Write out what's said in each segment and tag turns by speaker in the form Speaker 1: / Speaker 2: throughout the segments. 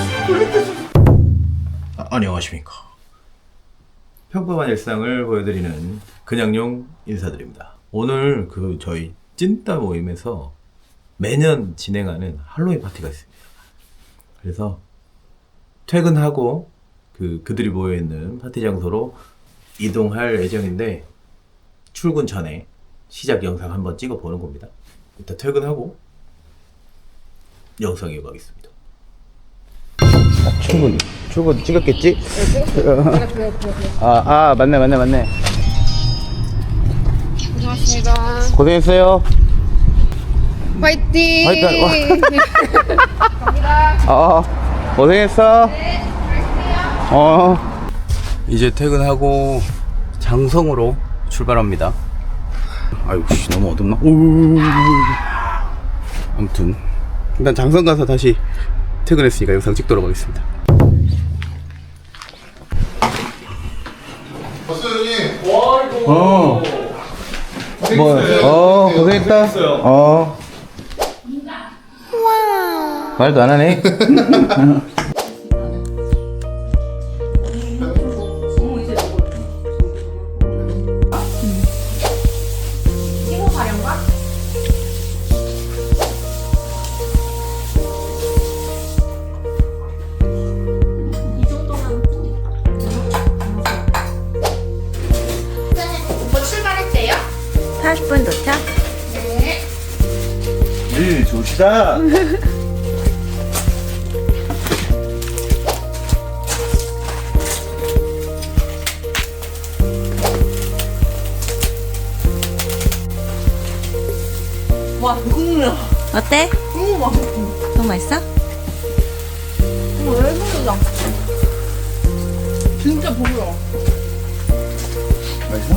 Speaker 1: 안녕하십니까. 평범한 일상을 보여드리는 그냥용 인사드립니다. 오늘 저희 찐따 모임에서 매년 진행하는 할로윈 파티가 있습니다. 그래서 퇴근하고 그들이 모여있는 파티 장소로 이동할 예정인데 출근 전에 시작 영상 한번 찍어보는 겁니다. 일단 퇴근하고 영상 이어가겠습니다.
Speaker 2: 출근 찍었겠지? 맞네.
Speaker 3: 고맙습니다.
Speaker 2: 고생했어요.
Speaker 3: 화이팅!
Speaker 2: 화이팅!
Speaker 3: 갑니다.
Speaker 2: 고생했어.
Speaker 3: 네, 갈게요.
Speaker 2: 이제 퇴근하고 장성으로 출발합니다. 아유, 너무 어둡나? 아무튼 일단 장성 가서 다시 퇴근했으니까 영상 찍도록 하겠습니다. 고생했다. 말도 안 하네.
Speaker 3: 오빠 출발했대요?
Speaker 4: 40분 도착?
Speaker 3: 네.
Speaker 2: 네, 좋시다.
Speaker 4: 와, 배고프다. 어때? 너무 맛있어. 너무 맛있어?
Speaker 3: 왜 그러자? 진짜 보여.
Speaker 2: 맛있어?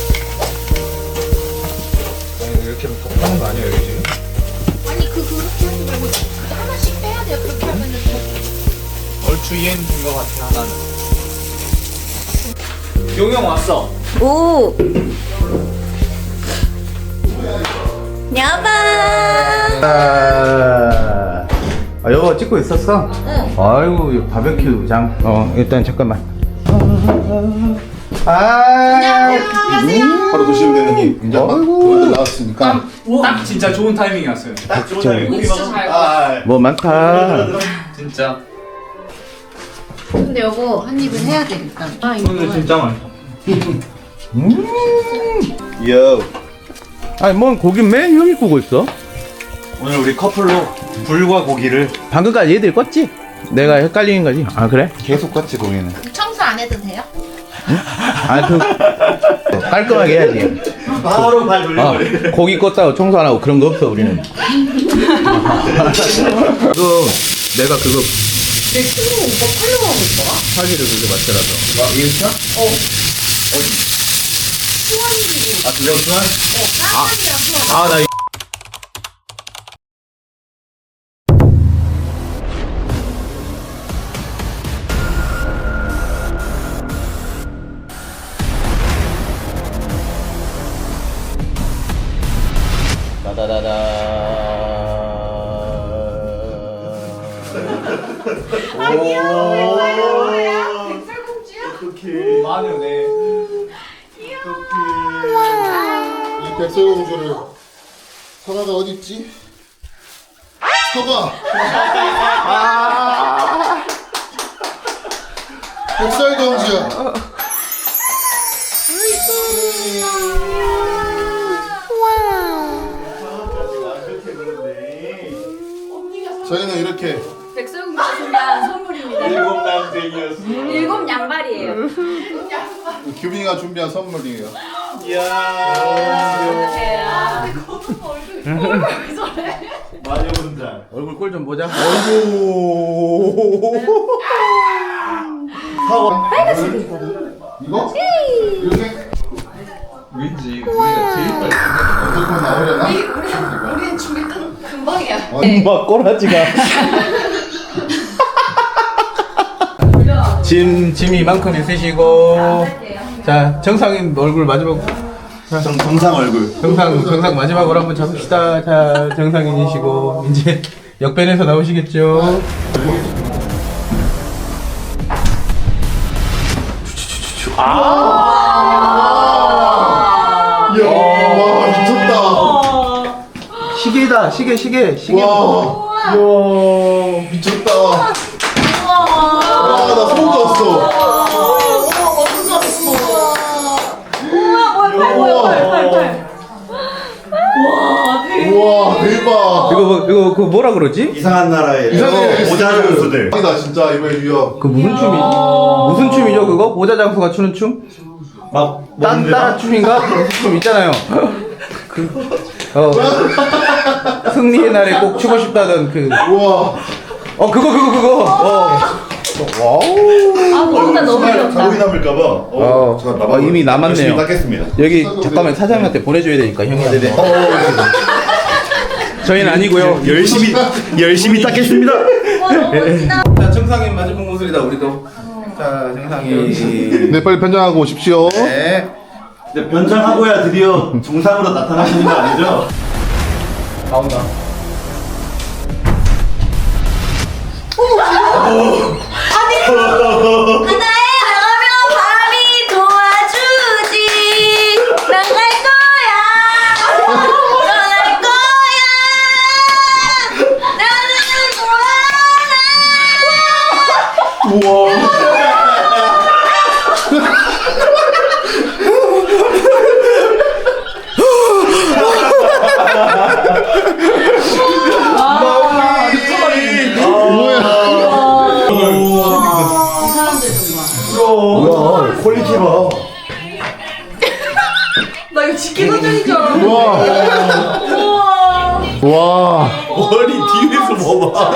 Speaker 1: 아니 이렇게 하는 거 아니에요 여기 지금?
Speaker 3: 아니 그렇게 하지 말고 하나씩 빼야 돼요. 그렇게 하면은 더.
Speaker 1: 얼추 이해된 것 같아 하나는. 용영 왔어.
Speaker 4: 오! 여보!
Speaker 2: 여보 찍고 있었어? 응. 아이고 바베큐 장. 일단 잠깐만.
Speaker 5: 바로 드시면 되는 이 이제 막 그것들 나왔으니까
Speaker 1: 딱 진짜 좋은 타이밍이었어요. 딱 좋은 타이밍.
Speaker 3: 진짜 잘.
Speaker 2: 뭐 많다.
Speaker 1: 진짜.
Speaker 3: 근데 여보 한 입은 해야 돼 일단.
Speaker 1: 오늘 진짜 맛있어.
Speaker 2: 요. 아니 뭔 고기 맨 형이 구고 있어?
Speaker 5: 오늘 우리 커플로 불과 고기를
Speaker 2: 방금까지 얘들 껐지? 내가 헷갈리는 거지? 아 그래?
Speaker 5: 계속 같이 고기는
Speaker 3: 청소 안 해도 돼요?
Speaker 2: 깔끔하게 해야지.
Speaker 5: 바로 발 돌려버리네.
Speaker 2: 고기 껐다고 청소 안 하고 그런 거 없어 우리는. 내가 그거
Speaker 3: 내 친구 오빠 팔로우 하고 있더라?
Speaker 2: 사기를 그게 맞더라도.
Speaker 5: 와 이거 차?
Speaker 3: 수원이고.
Speaker 5: 아 그거 수환?
Speaker 3: 깜짝이야 수원.
Speaker 2: 나
Speaker 3: 아니야 왜 거야? 백설공주야?
Speaker 1: 마녀네.
Speaker 5: 이 백설공주를 서가가 어딨지? 서가! 백설공주야 저희는 이렇게
Speaker 4: 백설공주 준비한 선물입니다.
Speaker 5: 일곱 남쟁이였어.
Speaker 4: 일곱 양발이에요.
Speaker 5: 규빈이가 준비한 선물이에요.
Speaker 1: 마녀 분장.
Speaker 2: 얼굴 꼴 좀 보자.
Speaker 5: 이거? 이렇게?
Speaker 1: 왠지 우리가 제일 빨리.
Speaker 5: 어떻게 나오려나?
Speaker 3: 우리는 준비 금방이야.
Speaker 2: 엄마 꼬라지가. 짐 이만큼 있으시고. 자, 정상인 얼굴 마지막.
Speaker 5: 정상 얼굴.
Speaker 2: 정상 마지막으로 한번 잡읍시다. 자, 정상인이시고 이제 역변에서 나오시겠죠.
Speaker 6: 이야, 와, 미쳤다.
Speaker 2: 시계다, 시계.
Speaker 6: 와, 이야, 미쳤다. 와, 나 소름 돋았어. 우와, 대박.
Speaker 2: 이거 그 뭐라 그러지?
Speaker 5: 이상한 나라의
Speaker 6: 이상해.
Speaker 5: 모자 장수들.
Speaker 6: 나 진짜 이번에 유야.
Speaker 2: 그 무슨 춤이죠 그거? 모자 장수가 추는 춤?
Speaker 5: 막
Speaker 2: 딴따라 춤인가? 무슨 춤 있잖아요. 승리의 날에 꼭 추고 싶다던 그.
Speaker 6: 우와.
Speaker 2: 그거. 와우.
Speaker 4: 진짜 너무 귀엽다.
Speaker 5: 자국이 남을까봐.
Speaker 2: 잠깐, 이미 남았네요.
Speaker 5: 열심히 닦겠습니다.
Speaker 2: 여기 잠깐만 사장님한테 보내줘야 되니까 형이. 저희는 아니고요.
Speaker 5: 열심히 닦겠습니다.
Speaker 2: 자, 정상인 마지막 모습이다 우리도. 자, 정상이.
Speaker 6: 네, 빨리 변장하고 오십시오.
Speaker 2: 네.
Speaker 5: 이제 변장하고야 드디어 정상으로 나타나시는 거 아니죠?
Speaker 2: 나온다.
Speaker 4: 하나에 나가면 바람이 도와주지. 난 갈 거야. 떠날 거야. 나는 돌아라.
Speaker 5: 뭐야, 퀄리티 봐.
Speaker 3: 나 이거 지키는 중인 줄 알았는데.
Speaker 6: 와.
Speaker 5: 머리 뒤에서 봐봐.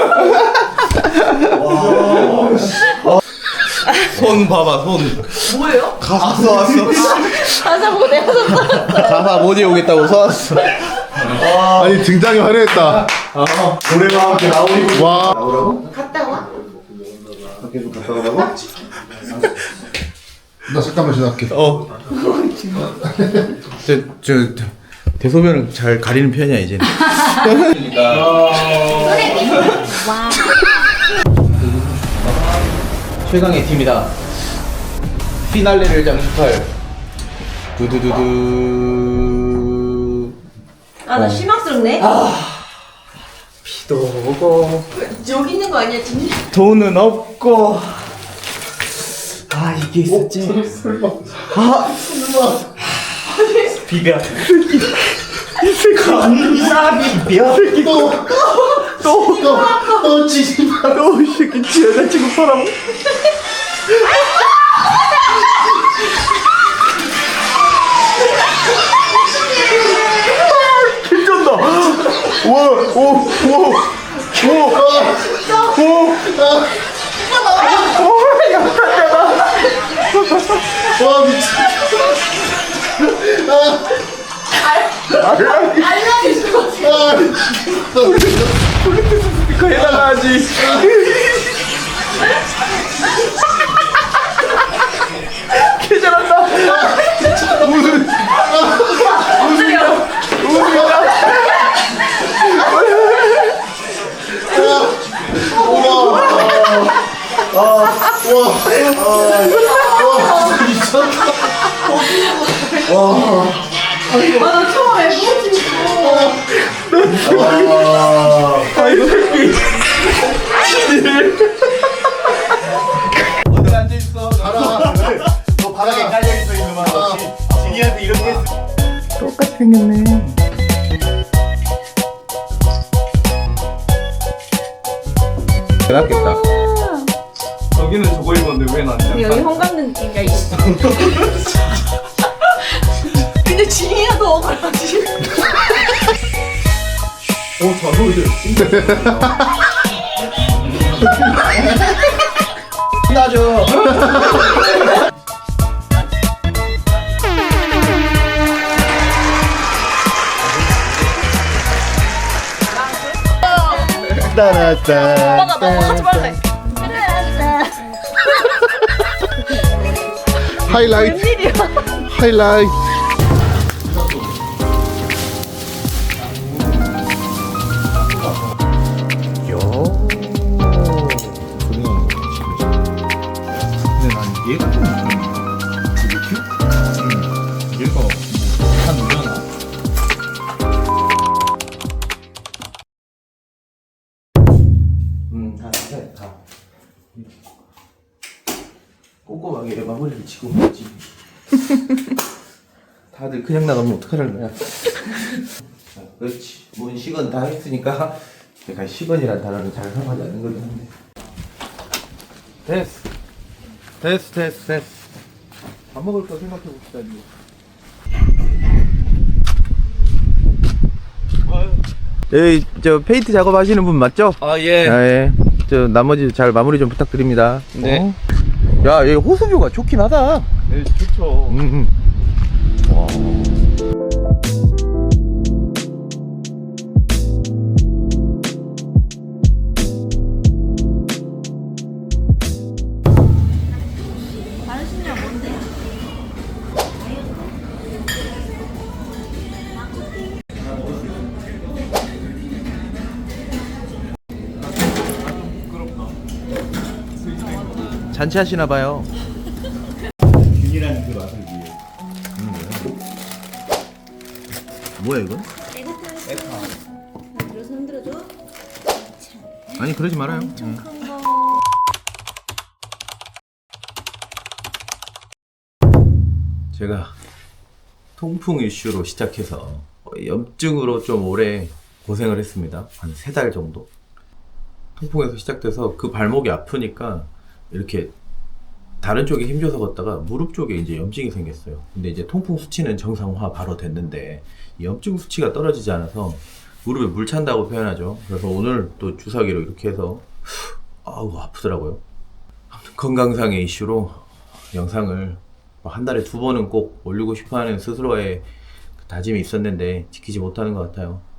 Speaker 2: 손 봐봐 손.
Speaker 3: 뭐예요?
Speaker 2: 가사 왔어.
Speaker 4: 가사 보내서
Speaker 2: 가사 못 외우겠다고 써왔어.
Speaker 6: 아니, 등장이 화려했다.
Speaker 5: 노래와 함께 나오니.
Speaker 6: 와.
Speaker 3: 갔다 와?
Speaker 5: 계속 갔다 오라고?
Speaker 6: 나 잠깐만 지나갈게.
Speaker 2: 저 대소변을 잘 가리는 편이야 이제는. 최강의 팀이다. 피날레를 장식할 두두두두.
Speaker 4: 나 실망스럽네.
Speaker 2: 비도 오고
Speaker 3: 여기 있는 거 아니야, 진짜?
Speaker 2: 돈은 없고. 아 이게 있었지. 비벼. 감사 비벼.
Speaker 6: 또 지지 마.
Speaker 2: 너 이 새끼 지어다 지금 팔아먹.
Speaker 6: 괜찮다. 와, 오. 와, 미쳤다.
Speaker 3: 알라딘 죽었어.
Speaker 2: 스피커에다가 하지. 개 잘한다.
Speaker 3: 나 처음에 뭐지?
Speaker 2: 아이고 새끼. 어디 앉아 있어?
Speaker 5: 너 바닥에 깔려있어 있는 거 진이한테 이렇게 했어.
Speaker 2: 똑같이 생겼네. 낫겠다.
Speaker 1: 저기는 저거 입었는데 왜 난?
Speaker 4: 여기 홍감 느낌이야. 있어.
Speaker 3: 근데 진이야 너 억울하지?
Speaker 2: 나죠.
Speaker 6: 따라따.
Speaker 3: 나 너무 하지 말래.
Speaker 6: 하이라이트. 하이라이트.
Speaker 2: 근데 난 얘가 좀 꼼꼼하게 마무리를 지고 있지. 다들 그냥 나가면 어떡하라는 거야. 자, 그렇지. 문식은 다 했으니까 내가 식은이란 단어는 잘 사용하지 않는 거긴 한데. 됐어. 밥 먹을 거 생각해 봅시다 이제. 여기 저 페인트 작업하시는 분 맞죠?
Speaker 1: 아 예.
Speaker 2: 예. 저 나머지 잘 마무리 좀 부탁드립니다.
Speaker 1: 네.
Speaker 2: 야, 여기 호수뷰가 좋긴 하다.
Speaker 1: 네 좋죠.
Speaker 2: 와.
Speaker 4: 다른 신랑 뭔데?
Speaker 2: 잔치하시나 봐요.
Speaker 5: 균이라는 그 맛을 위해.
Speaker 2: 뭐야 이건?
Speaker 4: 들어서 흔들어줘.
Speaker 2: 아니 그러지 말아요.
Speaker 4: 큰 거.
Speaker 2: 제가 통풍 이슈로 시작해서 염증으로 좀 오래 고생을 했습니다. 한 3달 정도. 통풍에서 시작돼서 그 발목이 아프니까 이렇게 다른 쪽에 힘줘서 걷다가 무릎 쪽에 이제 염증이 생겼어요. 근데 이제 통풍 수치는 정상화 바로 됐는데 이 염증 수치가 떨어지지 않아서 무릎에 물 찬다고 표현하죠. 그래서 오늘 또 주사기로 이렇게 해서 아우 아프더라고요. 건강상의 이슈로 영상을 한 달에 2번은 꼭 올리고 싶어하는 스스로의 다짐이 있었는데 지키지 못하는 것 같아요.